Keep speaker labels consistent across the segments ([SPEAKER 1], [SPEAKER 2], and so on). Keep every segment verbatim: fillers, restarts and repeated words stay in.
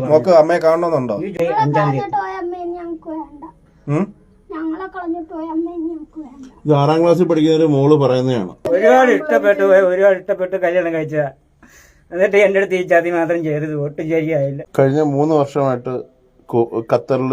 [SPEAKER 1] Mock അമ്മയെ കാണണമെന്നുണ്ടോ? ഇത് ആറാം ക്ലാസ്സിൽ പഠിക്കുന്ന ഒരു മോള് പറയുന്നതാണ്.
[SPEAKER 2] ഒരുപാട് ഇഷ്ടപ്പെട്ടു പോയി, ഒരുപാട് ഇഷ്ടപ്പെട്ട് കല്യാണം കഴിച്ച, എന്നിട്ട് എന്റെ അടുത്ത് ഈ ചതി മാത്രം ചെയ്തത് ഒട്ടും ശരിയായില്ല.
[SPEAKER 1] കഴിഞ്ഞ മൂന്ന് വർഷമായിട്ട് ഖത്തറിൽ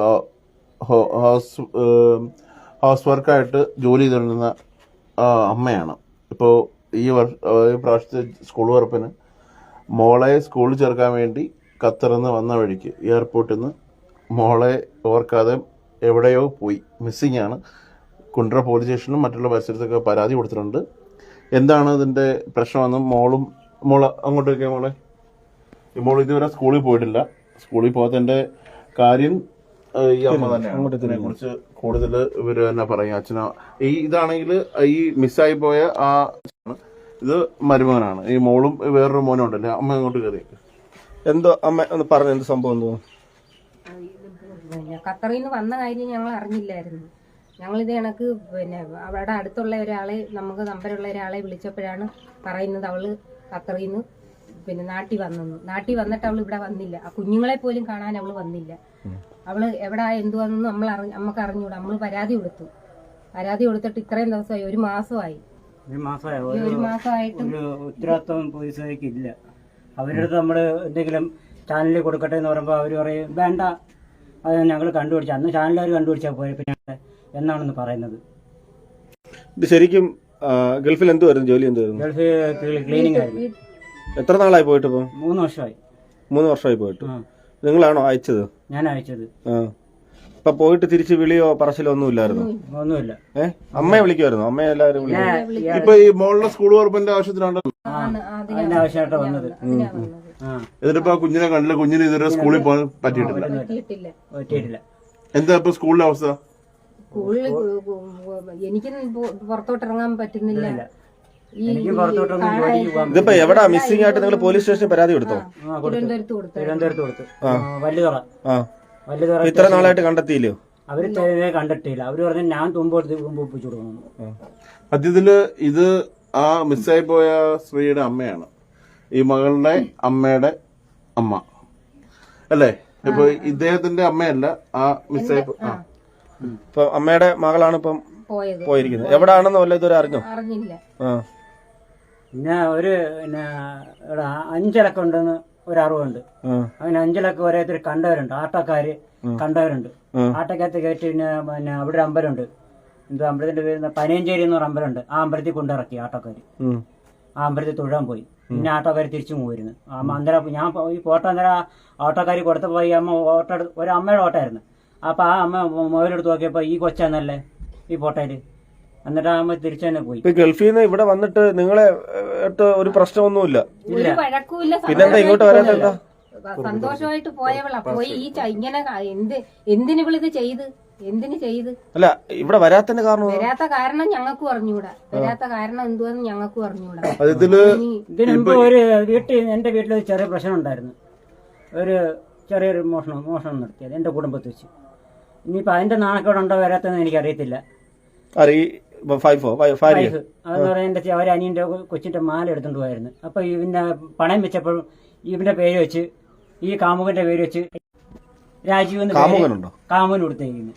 [SPEAKER 1] ഹൗസ് ഹൗസ് വർക്കായിട്ട് ജോലി ചെയ്തുകൊണ്ടിരുന്ന അമ്മയാണ്. ഇപ്പോൾ ഈ വർഷ ഈ പ്രാവശ്യത്തെ സ്കൂൾ തുറപ്പിന് മോളെ സ്കൂളിൽ ചേർക്കാൻ വേണ്ടി ഖത്തറിൽ നിന്ന് വന്ന വഴിക്ക് എയർപോർട്ടിൽ നിന്ന് മോളെ ഓർക്കാതെ എവിടെയോ പോയി, മിസ്സിംഗ് ആണ്. കുണ്ട്ര പോലീസ് സ്റ്റേഷനും മറ്റുള്ള പരിസരത്തൊക്കെ പരാതി കൊടുത്തിട്ടുണ്ട്. എന്താണ് ഇതിൻ്റെ പ്രശ്നമെന്നും മോളും മോള് അങ്ങോട്ടേക്ക് മോളെ ഈ മോൾ ഇതുവരെ സ്കൂളിൽ പോയിട്ടില്ല. സ്കൂളിൽ പോകാത്തതിൻ്റെ കാര്യം ഈ അമ്മ തന്നെയാണ്. ഇതിനെ കുറിച്ച് കൂടുതൽ ഇവര് തന്നെ പറയും. അച്ഛനോ ഈ ഇതാണെങ്കിൽ ഈ മിസ്സായി പോയ ആ ഇത് മരുമകനാണ്. ഈ മോളും വേറൊരു മോനും ഉണ്ടല്ലേ. അമ്മ അങ്ങോട്ട് കയറി എന്തോ അമ്മ ഒന്ന് പറഞ്ഞു, എന്ത് സംഭവം എന്തോ?
[SPEAKER 3] ഖത്തറിൽ നിന്ന് വന്ന കാര്യം ഞങ്ങൾ അറിഞ്ഞില്ലായിരുന്നു. ഞങ്ങളിത് കണക്ക് പിന്നെ അവിടെ അടുത്തുള്ള ഒരാളെ, നമുക്ക് നമ്പറുള്ള ഒരാളെ വിളിച്ചപ്പോഴാണ് പറയുന്നത് അവള് ഖത്തറിൽ നിന്ന് പിന്നെ നാട്ടിൽ വന്നെന്ന്. നാട്ടിൽ വന്നിട്ട് അവൾ ഇവിടെ വന്നില്ല. ആ കുഞ്ഞുങ്ങളെ പോലും കാണാൻ അവള് വന്നില്ല. അവള് എവിടെ എന്തുവാണെന്ന് നമ്മൾ അറിഞ്ഞ നമുക്ക് അറിഞ്ഞൂടാ. നമ്മള് പരാതി കൊടുത്തു. പരാതി കൊടുത്തിട്ട് ഇത്രയും ദിവസമായി, ഒരു മാസമായി. ഒരു മാസമായിട്ട്
[SPEAKER 2] ഉത്തരവാദിത്വം പോലീസുകാർക്ക് ഇല്ല. അവരുടെ അടുത്ത് നമ്മള് എന്തെങ്കിലും ചാനലിൽ കൊടുക്കട്ടെ എന്ന് പറയുമ്പോൾ അവർ പറയും വേണ്ട, അത് ഞങ്ങൾ കണ്ടുപിടിച്ച അന്ന് ചാനലുകാർ കണ്ടുപിടിച്ചാൽ പോയ പിന്നെ എന്നാണെന്ന് പറയുന്നത്.
[SPEAKER 1] ഇത് ശരിക്കും ഗൾഫിൽ എന്തുവായിരുന്നു ജോലി? എന്തുവായിരുന്നു?
[SPEAKER 2] ഗൾഫിൽ ക്ലീനിങ് ആയിരുന്നു.
[SPEAKER 1] എത്ര നാളായി പോയിട്ട്? ഇപ്പൊ
[SPEAKER 2] മൂന്ന് വർഷമായി.
[SPEAKER 1] മൂന്ന് വർഷമായി പോയിട്ട്. നിങ്ങളാണോ അയച്ചത്? ഞാൻ
[SPEAKER 2] അയച്ചത്.
[SPEAKER 1] ഇപ്പൊ പോയിട്ട് തിരിച്ച് വിളിയോ പറച്ചിലോ ഒന്നും ഇല്ലായിരുന്നു?
[SPEAKER 2] ഒന്നുമില്ല.
[SPEAKER 1] ഏഹ് അമ്മയെ വിളിക്കുമായിരുന്നു? അമ്മയെ എല്ലാവരും വിളിക്കും. ഇപ്പൊ ഈ മോളുടെ സ്കൂൾ തുറപ്പിന്റെ ആവശ്യത്തിനാണ്
[SPEAKER 2] ആവശ്യമായിട്ട് വന്നത്.
[SPEAKER 1] എന്നിട്ടിപ്പോ കുഞ്ഞിനെ കണ്ടില്ല. കുഞ്ഞിന് ഇതുവരെ സ്കൂളിൽ പോകാൻ പറ്റിയിട്ടില്ല. എന്താ ഇപ്പൊ സ്കൂളിലെ അവസ്ഥ?
[SPEAKER 3] സ്കൂളിൽ എനിക്ക് പുറത്തോട്ട് ഇറങ്ങാൻ പറ്റുന്നില്ല.
[SPEAKER 1] ഇതിപ്പോ എവിടാ മിസ്സിംഗ് ആയിട്ട് നിങ്ങൾ പോലീസ് സ്റ്റേഷനിൽ പരാതി കൊടുത്തോ?
[SPEAKER 3] തിരുവനന്തപുരത്ത് കൊടുത്തു.
[SPEAKER 2] തിരുവനന്തപുരത്ത് കൊടുത്തു. വല്ലുതറ വല്ലുതറ
[SPEAKER 1] ഇത്ര നാളായിട്ട് കണ്ടെത്തിയില്ലോ?
[SPEAKER 2] അവര് കണ്ടെത്തിയില്ല. അവര് പറഞ്ഞു ഞാൻ തുമ്പ് ഒപ്പിച്ചു കൊടുക്കണം.
[SPEAKER 1] സത്യത്തില് ഇത് ആ മിസ്സായി പോയ സ്ത്രീയുടെ അമ്മയാണ്, ഈ മകളുടെ അമ്മയുടെ അമ്മ അല്ലേ? ഇപ്പൊ ഇദ്ദേഹത്തിന്റെ അമ്മയല്ല, ആ മിസ്സായി ഇപ്പൊ അമ്മയുടെ മകളാണ് ഇപ്പം പോയിരിക്കുന്നത്. എവിടാണെന്ന് വല്ല ഇതുവരെ അറിഞ്ഞോ?
[SPEAKER 3] അറിഞ്ഞില്ല.
[SPEAKER 2] പിന്നെ ഒരു പിന്നെ അഞ്ചിലക്കം ഉണ്ടെന്ന് ഒരു അറിവുണ്ട്. അങ്ങനെ അഞ്ചിലക്കം ഓരോരുത്തർ കണ്ടവരുണ്ട്, ആട്ടക്കാര് കണ്ടവരുണ്ട്. ആട്ടക്കകത്ത് കയറ്റി പിന്നെ പിന്നെ അവിടെ ഒരു അമ്പലമുണ്ട്. എന്തോ അമ്പലത്തിന്റെ പേര് പനയഞ്ചേരി എന്ന് പറഞ്ഞ അമ്പലമുണ്ട്. ആ അമ്പലത്തിൽ കൊണ്ടിറക്കി ആട്ടക്കാര്. ആ അമ്പലത്തിൽ തൊഴാൻ പോയി. പിന്നെ ആട്ടോക്കാര് തിരിച്ചു പോയിരുന്നു. അന്നേരം ഞാൻ ഈ ഫോട്ടോ അന്നേരം ഓട്ടോക്കാരി കൊടുത്തപ്പോ ഈ അമ്മ ഓട്ടോ ഒരു അമ്മയുടെ ഓട്ടമായിരുന്നു. അപ്പൊ ആ അമ്മ മൊബൈലെടുത്ത് നോക്കിയപ്പോ ഈ കൊച്ചാന്നല്ലേ ഈ ഫോട്ടോയില്. എന്നിട്ട് ആ അമ്മ തിരിച്ചു തന്നെ പോയി.
[SPEAKER 1] ഗൾഫിൽ നിന്ന് ഇവിടെ വന്നിട്ട് നിങ്ങളെ ഒരു പ്രശ്നമൊന്നുമില്ല?
[SPEAKER 3] പിന്നെന്താ ഇങ്ങോട്ട് വരാത്ത? സന്തോഷമായിട്ട് പോയവളാ. പോയി ഈ ഇങ്ങനെ എന്ത് എന്തിനു ഇവളിത് ചെയ്ത് എന്തിനു ചെയ്ത്?
[SPEAKER 1] അല്ല ഇവിടെ വരാത്തതിന്റെ കാരണം?
[SPEAKER 3] വരാത്ത കാരണം ഞങ്ങൾക്കും അറിഞ്ഞൂടാ. വരാത്ത കാരണം എന്തുവാന്ന് ഞങ്ങൾക്കും അറിഞ്ഞൂടാ.
[SPEAKER 2] ഇതിനു മുമ്പ് ഒരു വീട്ടിൽ എന്റെ വീട്ടിലൊരു ചെറിയ പ്രശ്നം ഉണ്ടായിരുന്നു. ഒരു ചെറിയൊരു മോഷണം മോഷണം നടത്തിയത് എന്റെ കുടുംബത്തിൽ വെച്ച്. ഇനിയിപ്പോ അതിന്റെ നാണക്കേട് ഉണ്ടോ വരാത്തെന്ന് എനിക്കറിയത്തില്ല. അതെന്ന് പറയാൻ എന്റെ അവരെ അനിയന്റെ കൊച്ചിന്റെ മാല എടുത്തോണ്ട് പോയായിരുന്നു. അപ്പൊ ഇവന്റെ പണയം വെച്ചപ്പോൾ ഇവന്റെ പേര് വെച്ച് ഈ കാമുകന്റെ പേര് വെച്ച് രാജീവ് കാമുകൻ കൊടുത്തേക്കുന്നു.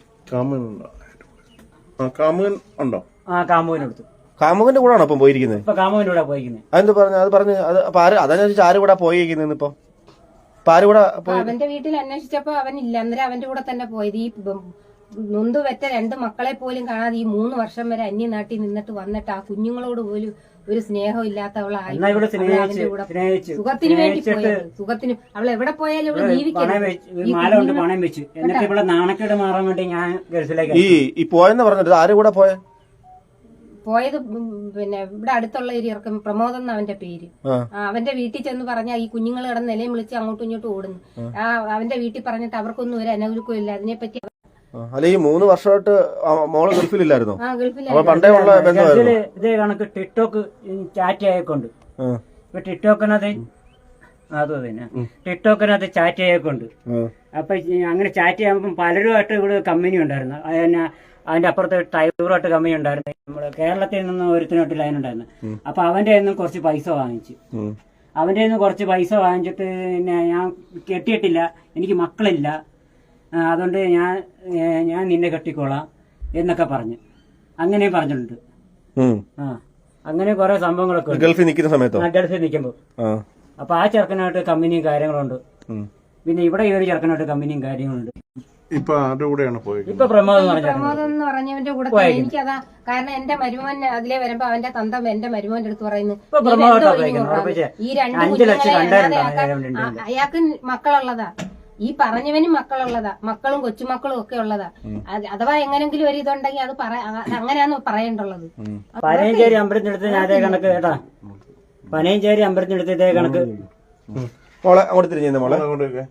[SPEAKER 2] ആ കാമുകൻ എടുത്തു.
[SPEAKER 1] കാമുകന്റെ കൂടെ ഇപ്പൊ പോയിരിക്കുന്നത്?
[SPEAKER 2] ഇപ്പൊ കാമുകന്റെ കൂടെ പോയിരിക്കുന്നത്.
[SPEAKER 1] അതെന്ത് പറഞ്ഞു? അത് പറഞ്ഞു അതനുസരിച്ച് ആര് കൂടെ പോയിരിക്കുന്നത്? ഇപ്പൊ
[SPEAKER 3] അവന്റെ വീട്ടിൽ അന്വേഷിച്ചപ്പോ അവനില്ല. അന്നേരം അവന്റെ കൂടെ തന്നെ പോയത്. ഈ നൊന്തു വെറ്റ രണ്ട് മക്കളെ പോലും കാണാതെ ഈ മൂന്ന് വർഷം വരെ അന്യനാട്ടിൽ നിന്നിട്ട് വന്നിട്ട് ആ കുഞ്ഞുങ്ങളോട് പോലും ഒരു സ്നേഹം ഇല്ലാത്തവളായി സുഖത്തിന് വേണ്ടി പോയത്. സുഖത്തിന് അവൾ എവിടെ പോയാലും ഇവിടെ ജീവിക്കണം.
[SPEAKER 2] നാണക്കേട് മാറാൻ വേണ്ടി ഞാൻ
[SPEAKER 1] ഈ പോയെന്ന് പറഞ്ഞിട്ട് ആരും കൂടെ പോയ
[SPEAKER 3] പോയത് പിന്നെ ഇവിടെ അടുത്തുള്ള ഒരു ഇറക്കം പ്രമോദ് എന്ന അവന്റെ പേര്. അവന്റെ വീട്ടിൽ ചെന്ന് പറഞ്ഞാൽ ഈ കുഞ്ഞുങ്ങൾ കിടന്ന് നിലയും വിളിച്ച് അങ്ങോട്ടും ഇങ്ങോട്ടും ഓടുന്നു. ആ അവന്റെ വീട്ടിൽ പറഞ്ഞിട്ട് അവർക്കൊന്നും ഒരു അനൗലുക്കവും ഇല്ല. അതിനെപ്പറ്റി
[SPEAKER 1] അല്ല ഈ മൂന്ന് വർഷമായിട്ട് മോള് ഗൾഫിലില്ലായിരുന്നോ?
[SPEAKER 3] ആ ഗൾഫിലായിരുന്നു.
[SPEAKER 1] പണ്ടേ ഉള്ള ബന്ധമായിരുന്നു.
[SPEAKER 2] ഇതേ കണക്ക് ടിക്ടോക്ക് ചാറ്റ് ആയിക്കൊണ്ട് ഇപ്പൊ ടിക്ടോക്കിനകത്ത് അത് തന്നെ ടിക്ടോക്കിനകത്ത് ചാറ്റ് ചെയ്യേക്കൊണ്ട്. അപ്പൊ അങ്ങനെ ചാറ്റ് ചെയ്യുമ്പോൾ പലരുമായിട്ട് ഇവിടെ കമ്പനി ഉണ്ടായിരുന്നു. അതിന് അതിന്റെ അപ്പുറത്ത് ടൈവറായിട്ട് കമ്പനി ഉണ്ടായിരുന്നു. നമ്മുടെ കേരളത്തിൽ നിന്ന് ഒരുത്തിനോട്ട് ലൈൻ ഉണ്ടായിരുന്നു. അപ്പൊ അവന്റെ നിന്നും കുറച്ച് പൈസ വാങ്ങിച്ചു. അവൻ്റെ നിന്ന് കുറച്ച് പൈസ വാങ്ങിച്ചിട്ട് പിന്നെ ഞാൻ കെട്ടിയിട്ടില്ല, എനിക്ക് മക്കളില്ല, ആ, അതുകൊണ്ട് ഞാൻ ഏ, ഞാൻ നിന്നെ കെട്ടിക്കോളാം എന്നൊക്കെ പറഞ്ഞു. അങ്ങനെ പറഞ്ഞിട്ടുണ്ട്. ആ അങ്ങനെ കുറെ സംഭവങ്ങളൊക്കെ ഉണ്ട്.
[SPEAKER 4] ഗൾഫിൽ നിൽക്കുന്ന സമയത്തോ?
[SPEAKER 2] ആ, ഗൾഫിൽ നിൽക്കുമ്പോൾ. അപ്പൊ ആ ചെറുക്കനായിട്ട് കമ്പനിയും കാര്യങ്ങളുണ്ട്. പിന്നെ ഇവിടെ ഈ ഒരു ചെറുക്കനായിട്ട് കമ്പനിയും കാര്യങ്ങളുണ്ട്.
[SPEAKER 1] ഇപ്പൊ ആരുടെ കൂടെയാണ് പോയത്?
[SPEAKER 2] ഇപ്പൊ പ്രമോദ് എന്ന് പറഞ്ഞ
[SPEAKER 3] പ്രമോദം എന്ന് പറഞ്ഞവന്റെ കൂടെ തന്നെ എനിക്കതാ. കാരണം എന്റെ മരുമോൻ അതിലെ വരുമ്പോ അവന്റെ തന്ത എന്റെ മരുമോന്റെ അടുത്ത് പറയുന്നു,
[SPEAKER 2] ഇപ്പൊ
[SPEAKER 3] "നീ
[SPEAKER 2] പ്രമോദ്
[SPEAKER 3] എന്തോ
[SPEAKER 2] പോയി
[SPEAKER 3] ഇങ്ങനെ
[SPEAKER 2] ഉറപ്പിച്ച്
[SPEAKER 3] ഈ രണ്ട്
[SPEAKER 2] അഞ്ച് ലക്ഷം
[SPEAKER 3] കുഞ്ഞുങ്ങളെ
[SPEAKER 2] കണ്ടായിരുന്നു
[SPEAKER 3] അല്ലാതെ
[SPEAKER 2] അവനെ
[SPEAKER 3] ആക്കാൻ- ആ, അയാൾക്ക് മക്കളുള്ളതാ, ഈ പറഞ്ഞവനും മക്കളുള്ളതാ, മക്കളും കൊച്ചുമക്കളും ഒക്കെ ഉള്ളതാ. അത് അഥവാ എങ്ങനെങ്കിലും ഒരു ഇതുണ്ടെങ്കിൽ അത് പറ അങ്ങനെയാന്ന് പറയേണ്ടുള്ളത്.
[SPEAKER 2] പനയഞ്ചേരി അമ്പലത്തിനടുത്ത് ഞാൻ അതേ കണക്ക് കേട്ടാ, പനയഞ്ചേരി അമ്പലത്തിനടുത്ത് ഇതേ കണക്ക്.
[SPEAKER 4] മോളെ അങ്ങോട്ട് തിരിഞ്ഞു മോളെ.
[SPEAKER 1] അങ്ങോട്ടേക്ക്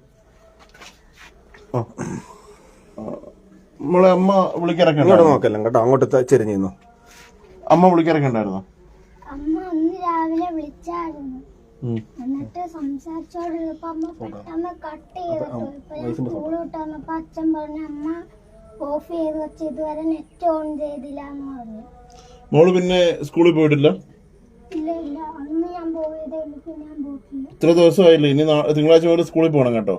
[SPEAKER 1] നമ്മളെ അമ്മ വിളിക്കിറക്കണ്ട.
[SPEAKER 4] ഇങ്ങോട്ട് നോക്കല്ല കേട്ടോ, അങ്ങോട്ട് ചെരിഞ്ഞു.
[SPEAKER 1] അമ്മ വിളിക്കിറക്കണ്ടായിരുന്നോ?
[SPEAKER 5] അമ്മ അന്ന് രാവിലെ വിളിച്ചായിരുന്നു. എന്നിട്ട് സംസാരിച്ചോണ്ടിരുന്നപ്പോ അമ്മ പെട്ടെന്ന് കട്ട് ചെയ്തിട്ടു. ഇപ്പൊ ഞാൻ സ്കൂൾ വിട്ട് വന്നപ്പോ അച്ഛൻ പറഞ്ഞു അമ്മ ഓഫ് ചെയ്ത് വെച്ച് ഇതുവരെ നെറ്റ് ഓൺ ചെയ്തില്ല എന്ന് പറഞ്ഞു.
[SPEAKER 1] മോള് പിന്നെ സ്കൂളിൽ പോയിട്ടില്ല?
[SPEAKER 5] ഇല്ല ഇല്ല, അന്ന് ഞാൻ പോയതേ ഉള്ളൂ, പിന്നെ ഞാൻ പോയിട്ടില്ല.
[SPEAKER 1] ഇത്ര ദിവസമായില്ലേ, ഇനി നാ- തിങ്കളാഴ്ച മുതൽ സ്കൂളിൽ പോകണം കേട്ടോ.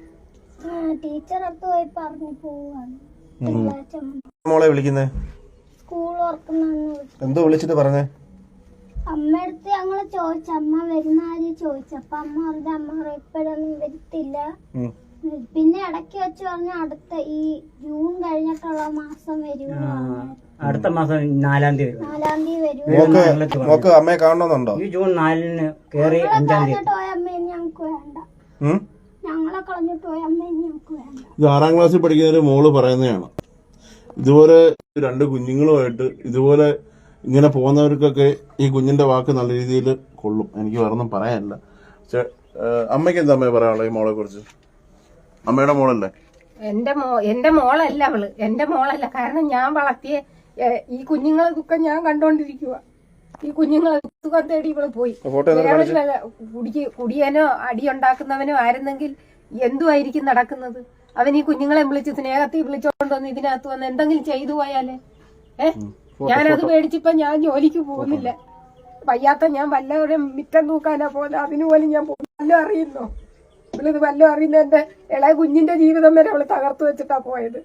[SPEAKER 5] ടീച്ചർ അടുത്ത് പോയി പറഞ്ഞു പോവാണ് തിങ്കളാഴ്ച
[SPEAKER 4] മോളെ വിളിക്കുന്നേ
[SPEAKER 5] സ്കൂൾ ഓർക്കുന്നെന്ന്.
[SPEAKER 4] എന്തോ വിളിച്ചിട്ട് പറഞ്ഞേ?
[SPEAKER 5] അമ്മയടുത്ത് ഞങ്ങള് ചോദിച്ചു അമ്മ വരുന്ന ആര് ചോദിച്ചു. അപ്പൊ അമ്മ പറഞ്ഞു അമ്മ ഇപ്പോഴൊന്നും വരുത്തില്ല. പിന്നെ ഇടയ്ക്ക് വെച്ച് പറഞ്ഞ അടുത്ത ഈ ജൂൺ കഴിഞ്ഞിട്ടുള്ള മാസം വരുമോ,
[SPEAKER 2] അടുത്ത മാസം നാലാം തീയതി വരും.
[SPEAKER 5] നാലാം തീയതി വരുമോ.
[SPEAKER 4] മോക്ക് മോക്ക് അമ്മയെ കാണണമെന്നുണ്ടോ?
[SPEAKER 2] ഈ ജൂൺ നാലിന് കയറി അഞ്ചാം തീയതി.
[SPEAKER 5] കളഞ്ഞിട്ട് പോയ അമ്മയും ഞങ്ങക്ക് വേണ്ട. ഞങ്ങളെ കളഞ്ഞിട്ട് പോയ അമ്മയും ഞങ്ങക്ക് വേണ്ട.
[SPEAKER 1] ഇത് ആറാം ക്ലാസ്സിൽ പഠിക്കുന്ന ഒരു മോള് പറയുന്നതാണ്. ഇതുപോലെ രണ്ട് കുഞ്ഞുങ്ങളുമായിട്ട് ഇതുപോലെ ഇങ്ങനെ പോകുന്നവർക്കൊക്കെ ഈ കുഞ്ഞിന്റെ വാക്ക് നല്ല രീതിയിൽ കൊള്ളും. എനിക്ക് വേറൊന്നും പറയാനില്ല. പക്ഷെ അമ്മയ്ക്ക് എന്താ അമ്മയെ പറയാനുള്ളത് ഈ മോളെ കുറിച്ച്? അമ്മയുടെ മോളല്ലേ?
[SPEAKER 3] എന്റെ മോ എന്റെ മോളല്ല അവള്, എന്റെ മോളല്ല. കാരണം ഞാൻ വളർത്തിയ ഏ, ഈ കുഞ്ഞുങ്ങളെ ദുഃഖം ഞാൻ കണ്ടോണ്ടിരിക്കുക. ഈ കുഞ്ഞുങ്ങളെ സുഖം തേടി ഇവള് പോയി. വേറെ വല്ല കുടിക്ക് കുടിയനോ അടിയുണ്ടാക്കുന്നവനോ ആയിരുന്നെങ്കിൽ എന്തുമായിരിക്കും നടക്കുന്നത്? അവൻ ഈ കുഞ്ഞുങ്ങളെ വിളിച്ച് സ്നേഹത്തിൽ വിളിച്ചോണ്ട് വന്ന് ഇതിനകത്ത് വന്ന് എന്തെങ്കിലും ചെയ്തു പോയാലേ ഏ ഞാനത് പേടിച്ചിപ്പോ ഞാൻ ജോലിക്ക് പോകുന്നില്ല. വയ്യാത്ത ഞാൻ വല്ലവരും മിറ്റം തൂക്കാനാ പോലെ അതിന് പോലും ഞാൻ വല്ലതും അറിയുന്നോ? ഇവളിത് വല്ലതും അറിയുന്ന എന്റെ ഇളയ കുഞ്ഞിന്റെ ജീവിതം വരെ അവള് തകർത്തു വെച്ചിട്ടാ പോയത്.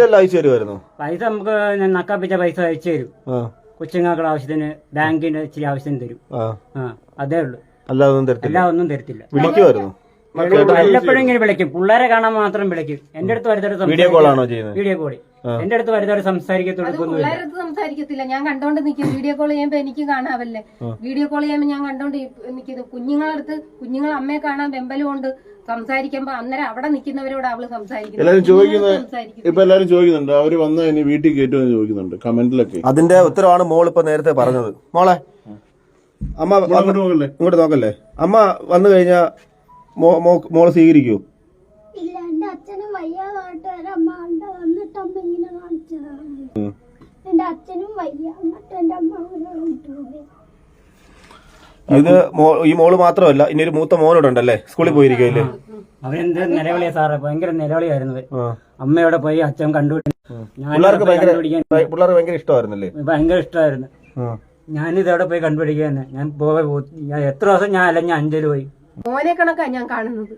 [SPEAKER 2] പൈസ നമുക്ക് നക്കാപ്പിച്ച പൈസ അയച്ചു തരും. കൊച്ചുങ്ങൾക്കുള്ള ആവശ്യത്തിന് ബാങ്കിന്റെ ഇച്ചിരി ആവശ്യത്തിന് തരും. ആ അതേ ഉള്ളൂ, എല്ലാം ഒന്നും തരത്തില്ല.
[SPEAKER 4] വിളിക്കുമായിരുന്നു
[SPEAKER 2] വല്ലപ്പോഴും ഇങ്ങനെ വിളിക്കും, പിള്ളേരെ കാണാൻ മാത്രം വിളിക്കും. എന്റെ അടുത്ത് വരുന്നവർ
[SPEAKER 4] വീഡിയോ കോളാണോ ചെയ്യുന്നത്?
[SPEAKER 2] വീഡിയോ കോളി എന്റെ അടുത്ത് വരുന്നവർ സംസാരിക്കത്തൊടുക്കൊന്നുമില്ല.
[SPEAKER 3] പിള്ളേരടുത്ത് സംസാരിക്കത്തില്ല, ഞാൻ കണ്ടോണ്ട് നിൽക്കും. വീഡിയോ കോൾ ചെയ്യുമ്പോ എനിക്ക് കാണാവല്ലേ, വീഡിയോ കോൾ ചെയ്യുമ്പോ ഞാൻ കണ്ടോണ്ട് നിൽക്കുന്നു. കുഞ്ഞുങ്ങളടുത്ത് കുഞ്ഞുങ്ങൾ അമ്മയെ കാണാൻ വെമ്പലും കൊണ്ട് സംസാരിക്കുമ്പോ അന്നേരം അവിടെ നിൽക്കുന്നവരോട് അവള് സംസാരിക്കുന്നു.
[SPEAKER 1] എല്ലാരും ചോദിക്കുന്നത് ഇപ്പൊ എല്ലാരും ചോദിക്കുന്നുണ്ട് അവര് വന്ന് ഇനി വീട്ടിൽ കയറ്റുമെന്ന് ചോദിക്കുന്നുണ്ട് കമന്റിലൊക്കെ.
[SPEAKER 4] അതിന്റെ ഉത്തരവാണ് മോൾ ഇപ്പൊ നേരത്തെ പറഞ്ഞത്. മോളെ അമ്മ ഇങ്ങോട്ട് നോക്കല്ലേ, അമ്മ വന്നു കഴിഞ്ഞാ മോളെ സ്വീകരിക്കൂ?
[SPEAKER 5] ഇല്ല, എന്റെ അച്ഛനും വയ്യാതായിട്ട് വരെ അമ്മ കണ്ട വന്നിട്ട് അമ്മ ഇങ്ങനെ കാണിച്ചതാണ്. എന്റെ അച്ഛനും വയ്യ, എന്നിട്ട് എന്റെ അമ്മ അങ്ങനെ കൊണ്ടുപോയി.
[SPEAKER 4] ഇത് ഈ മോള് മാത്രമല്ല, ഇനി ഒരു മൂത്ത മോനോടുണ്ടല്ലേ, സ്കൂളിൽ പോയിരിക്കല്ലേ?
[SPEAKER 2] അവനെന്ത് നിലവിളിയാ സാറേ, ഭയങ്കര നിലവിളിയായിരുന്നു. അമ്മയോടെ പോയി അച്ഛൻ കണ്ടുപിടി.
[SPEAKER 4] പിള്ളേർക്ക് ഭയങ്കര പിള്ളേർക്ക് ഭയങ്കര ഇഷ്ടമായിരുന്നല്ലേ?
[SPEAKER 2] ഭയങ്കര ഇഷ്ടമായിരുന്നു. ഞാനിതവിടെ പോയി കണ്ടുപിടിക്കുക തന്നെ. ഞാൻ പോയി ഞാൻ എത്ര ദിവസം ഞാൻ അല്ല ഞാൻ അഞ്ചല് പോയി.
[SPEAKER 3] മോനെ കണക്കാ ഞാൻ കാണുന്നത്.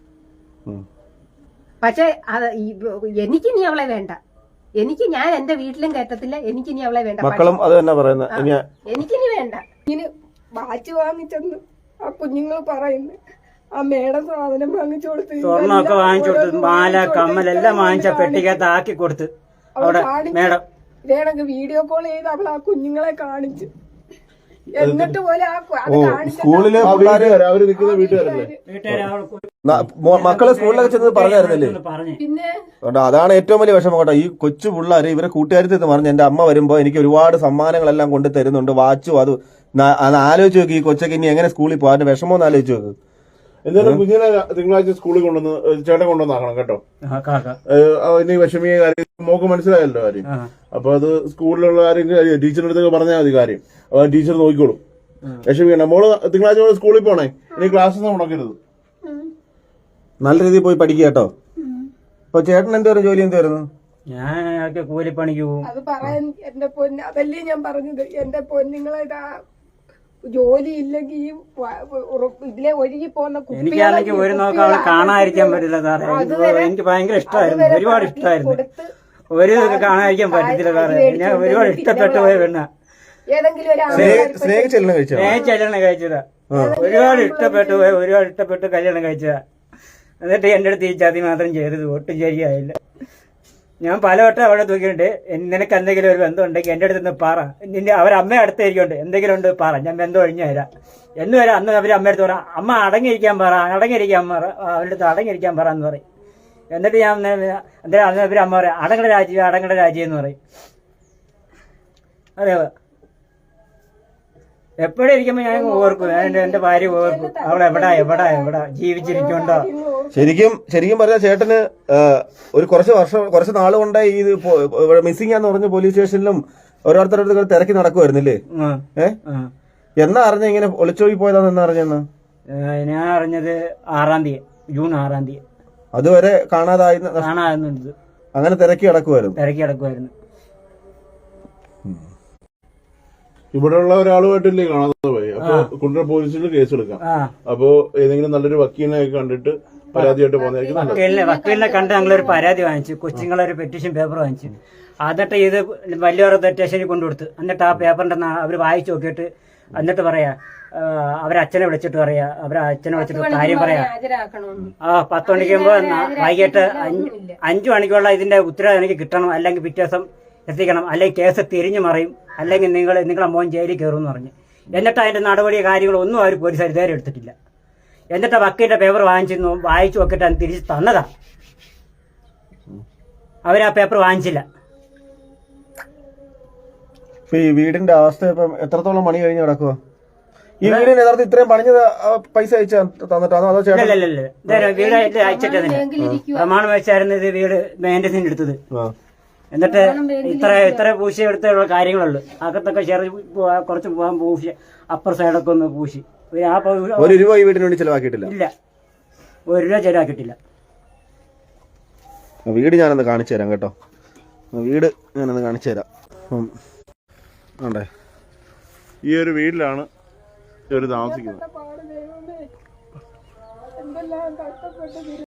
[SPEAKER 3] പക്ഷെ അത് എനിക്ക് ഇനി അവളെ വേണ്ട. എനിക്ക് ഞാൻ എന്റെ വീട്ടിലും കയറ്റത്തില്ല. എനിക്ക് ഇനി അവളെ വേണ്ട.
[SPEAKER 4] മക്കളും അത് തന്നെ പറയുന്നത്.
[SPEAKER 3] എനിക്കിനി വേണ്ട. ഇനി വാച്ച് വാങ്ങിച്ചെന്ന് ആ കുഞ്ഞുങ്ങൾ പറയുന്നു. ആ മേടം സാധനം വാങ്ങിച്ചു കൊടുത്ത്,
[SPEAKER 2] സ്വർണ്ണമൊക്കെ വാങ്ങിച്ചു കൊടുത്ത്, മാല കമ്മലെല്ലാം വാങ്ങിച്ച പെട്ടിക്കകത്ത് ആക്കി കൊടുത്ത് അവിടെ മേഡം
[SPEAKER 3] ഇതേണക്ക് വീഡിയോ കോൾ ചെയ്ത് അവൾ ആ കുഞ്ഞുങ്ങളെ കാണിച്ചു. എന്നിട്ട് പോലെ
[SPEAKER 4] സ്കൂളിലെ
[SPEAKER 1] അവര് നിൽക്കുന്ന വീട്ടുകാരല്ലേ?
[SPEAKER 4] മക്കളെ സ്കൂളിലൊക്കെ ചെന്ന് പറഞ്ഞായിരുന്നല്ലേ?
[SPEAKER 3] പിന്നെ
[SPEAKER 4] അതാണ് ഏറ്റവും വലിയ വിഷമം കേട്ടോ. ഈ കൊച്ചു പിള്ളേര് ഇവരെ കൂട്ടുകാരത്തിൽ നിന്ന് പറഞ്ഞു എന്റെ അമ്മ വരുമ്പോ എനിക്ക് ഒരുപാട് സമ്മാനങ്ങളെല്ലാം കൊണ്ട് തരുന്നുണ്ട്, വാച്ചും അത് ആലോചിച്ച് നോക്കി. ഈ കൊച്ചൊക്കെ ഇനി എങ്ങനെ സ്കൂളിൽ പോകാൻ വിഷമം ഒന്ന് ആലോചിച്ച് നോക്ക്.
[SPEAKER 1] എന്തായാലും കുഞ്ഞിനെ തിങ്കളാഴ്ച സ്കൂളിൽ കൊണ്ടുവന്ന് ചേട്ടൻ കൊണ്ടുവന്നാക്കണം കേട്ടോ. ഇനി വിഷമിയ കാര്യം മോക്ക് മനസ്സിലായല്ലോ കാര്യം. അപ്പൊ അത് സ്കൂളിലുള്ള ആരെങ്കിലും ടീച്ചറിന്റെ അടുത്തൊക്കെ പറഞ്ഞാൽ മതി കാര്യം. അപ്പൊ ടീച്ചർ നോക്കിക്കോളും. വിഷമിക്കണ്ട. മോള് തിങ്കളാഴ്ച മോള് സ്കൂളിൽ പോണേ. ഇനി ക്ലാസ് മുടക്കരുത്.
[SPEAKER 4] നല്ല രീതിയിൽ പോയി പഠിക്കുക കേട്ടോ. അപ്പൊ ചേട്ടൻ എന്തായിരുന്നു ജോലി? എന്തായിരുന്നു?
[SPEAKER 2] ഞാൻ കൂലിപ്പണിക്ക് പോകും.
[SPEAKER 3] അത് പറയാൻ എന്റെ പൊന്ന്, അതല്ലേ ഞാൻ പറഞ്ഞത്. എന്റെ പൊന്നുങ്ങളെ
[SPEAKER 6] ജോലി ഇല്ലെങ്കിൽ ഈ വ- ഉറ- ഇതിലെ ഒഴുകി പോകുന്ന
[SPEAKER 2] എനിക്കാണെങ്കിൽ ഒരു നോക്കം അവളെ കാണാതിരിക്കാൻ പറ്റില്ല സാറേ. എനിക്ക് എനിക്ക് ഭയങ്കര ഇഷ്ടമായിരുന്നു, ഒരുപാട് ഇഷ്ടമായിരുന്നു. ഒരു ഇതൊക്കെ കാണാതിരിക്കാൻ പറ്റത്തില്ല സാറേ. ഞാൻ ഒരുപാട് ഇഷ്ടപ്പെട്ടു പോയ പെണ്ണ.
[SPEAKER 6] ഏതെങ്കിലും ഒരു ആളെ
[SPEAKER 4] സ്നേഹിച്ച് കല്യാണം കഴിച്ചോ?
[SPEAKER 2] സ്നേഹിച്ച് കല്യാണം കഴിച്ചതാ. ഒരുപാട് ഇഷ്ടപ്പെട്ടു പോയ, ഒരുപാട് ഇഷ്ടപ്പെട്ട് കല്യാണം കഴിച്ചതാ. എന്നിട്ട് എന്റെ അടുത്ത് ഈ ചതി മാത്രം ചെയ്തത് ഒട്ടും ശരിയായില്ല. ഞാൻ പലവട്ടം അവിടെ തൂക്കിയിട്ടുണ്ട്. നിനക്ക് എന്തെങ്കിലും ഒരു ബന്ധം ഉണ്ടെങ്കിൽ എന്റെ അടുത്ത് നിന്ന് പറ. നിന്റെ അവരമ്മ അടുത്തായിരിക്കുന്നുണ്ട്, എന്തെങ്കിലും ഉണ്ട് പറ, ഞാൻ ബന്ധം ഒഴിഞ്ഞു തരാം എന്ന് വരാം. അന്ന് അവർ അമ്മ അടുത്ത് പറ, അമ്മ അടങ്ങിയിരിക്കാൻ പറ, അടങ്ങിയിരിക്കാൻ പറ, അവരുടെ അടുത്ത് അടങ്ങിയിരിക്കാൻ പറ എന്ന് പറയും. എന്നിട്ട് ഞാൻ എന്തായാലും അന്ന് അവർ അമ്മ പറയാം, അടങ്ങട രാജ്യം, അടങ്ങട രാജ്യം എന്ന് പറയും. അതെ, എപ്പോഴും ഇരിക്കുമ്പോൾ ഞാൻ ഓർക്കും, ഞാൻ എന്റെ ഭാര്യ ഓർക്കും, അവളെ എവിടാ എവിടാ എവിടാ ജീവിച്ചിരിക്കുന്നുണ്ടോ.
[SPEAKER 4] ശരിക്കും ശരിക്കും പറഞ്ഞാൽ ചേട്ടന് ആ, ഒരു കുറച്ച് വർഷം കുറച്ച് നാൾ കൊണ്ടേ ഈ മിസ്സിംഗ് ആന്ന് പറഞ്ഞ പോലീസ് സ്റ്റേഷനിലും ഓരോരുത്തരുടെ തിരക്കി നടക്കുമായിരുന്നില്ലേ? ഏ എന്നാ അറിഞ്ഞ ഇങ്ങനെ ഒളിച്ചോടി പോയതാന്ന് എന്നാ അറിഞ്ഞെന്ന്?
[SPEAKER 2] ഞാൻ അറിഞ്ഞത് ആറാം തീയതി, ജൂൺ ആറാം തീയതി.
[SPEAKER 4] അതുവരെ കാണാതായി
[SPEAKER 2] കാണാറുണ്ട്,
[SPEAKER 4] അങ്ങനെ തിരക്കി നടക്കുമായിരുന്നു.
[SPEAKER 2] തിരക്കി കിടക്കുമായിരുന്നു.
[SPEAKER 1] ഇവിടെയുള്ള ഒരാളുമായിട്ടില്ലേ കാണാതെ പോയി. അപ്പൊ കുണ്ടറ പോലീസിൽ കേസ് എടുക്കാം. അപ്പോ ഏതെങ്കിലും നല്ലൊരു വക്കീലിനെ കണ്ടിട്ട് പരാതിയായിട്ട് പോകുന്നതായിരിക്കും നല്ലത്.
[SPEAKER 2] വക്കീലിനെ വക്കീലിനെ കണ്ട് ഞങ്ങളൊരു പരാതി വാങ്ങിച്ചു, കൊച്ചുങ്ങളൊരു പെറ്റീഷൻ പേപ്പർ വാങ്ങിച്ചു. എന്നിട്ട് ഇത് വലിയവരുടെ സ്റ്റേഷനിൽ കൊണ്ടുകൊടുത്തു. എന്നിട്ട് ആ പേപ്പറിന്റെ അവർ വായിച്ചു നോക്കിയിട്ട് എന്നിട്ട് പറയാ, അവരച്ഛനെ വിളിച്ചിട്ട് പറയാ, അവരെ അച്ഛനെ വിളിച്ചിട്ട് കാര്യം പറയാ. ആ പത്ത് മണിക്കുമ്പോ വൈകിട്ട് അഞ്ചു മണിക്കുള്ള ഇതിന്റെ ഉത്തരവ് എനിക്ക് കിട്ടണം, അല്ലെങ്കിൽ പിറ്റേ ദിവസം എത്തിക്കണം, അല്ലെങ്കിൽ കേസ് തിരിഞ്ഞു മറിയും, അല്ലെങ്കിൽ നിങ്ങൾ നിങ്ങളെ മോൻ ജയിലിൽ കയറും എന്ന് പറഞ്ഞു. എന്നിട്ട് അതിന്റെ നടപടി കാര്യങ്ങളൊന്നും അവർ പോലീസുകാർ ഇതുവരെ എടുത്തിട്ടില്ല. എന്നിട്ട് വക്കീലിന്റെ പേപ്പർ വാങ്ങിച്ചിരുന്നു, വായിച്ചു നോക്കിയിട്ട് അത് തിരിച്ച് തന്നതാ. അവരാ പേപ്പർ വാങ്ങിച്ചില്ല.
[SPEAKER 4] ഈ വീടിന്റെ അവസ്ഥ ഇപ്പം എത്രത്തോളം പണി കഴിഞ്ഞ് കിടക്കുക? ഈ വീടിന് യഥാർത്ഥം ഇത്രയും പണിഞ്ഞത് പൈസ അയച്ച തന്നിട്ടാണോ അതോ ചേട്ടൻ?
[SPEAKER 2] ഇല്ല, വീട് അയച്ചിട്ടതിന് പ്രമാണം വെച്ചായിരുന്നു ഇത് വീട് മെയിൻ്റെനൻസിന് എടുത്തത്. എന്നിട്ട് ഇത്ര ഇത്ര പൂശി എടുത്തുള്ള കാര്യങ്ങളുള്ളു. അകത്തൊക്കെ ചെറിയ കുറച്ച് പോകാൻ പൂശി, അപ്പർ സൈഡൊക്കെ ഒന്ന് പൂശി. ആ
[SPEAKER 4] ഒരു രൂപ ഈ വീടിന് വേണ്ടി ചെലവാക്കിയിട്ടില്ല.
[SPEAKER 2] ഇല്ല, ഒരു രൂപ ചെലവാക്കിയിട്ടില്ല.
[SPEAKER 4] വീട് ഞാനൊന്ന് കാണിച്ചു തരാം കേട്ടോ. വീട് ഞാനൊന്ന് കാണിച്ചു തരാം.
[SPEAKER 1] ഈ ഒരു വീട്ടിലാണ് ഇവർ താമസിക്കുന്നത്.
[SPEAKER 6] എന്തെല്ലാം കഷ്ടപ്പെട്ട്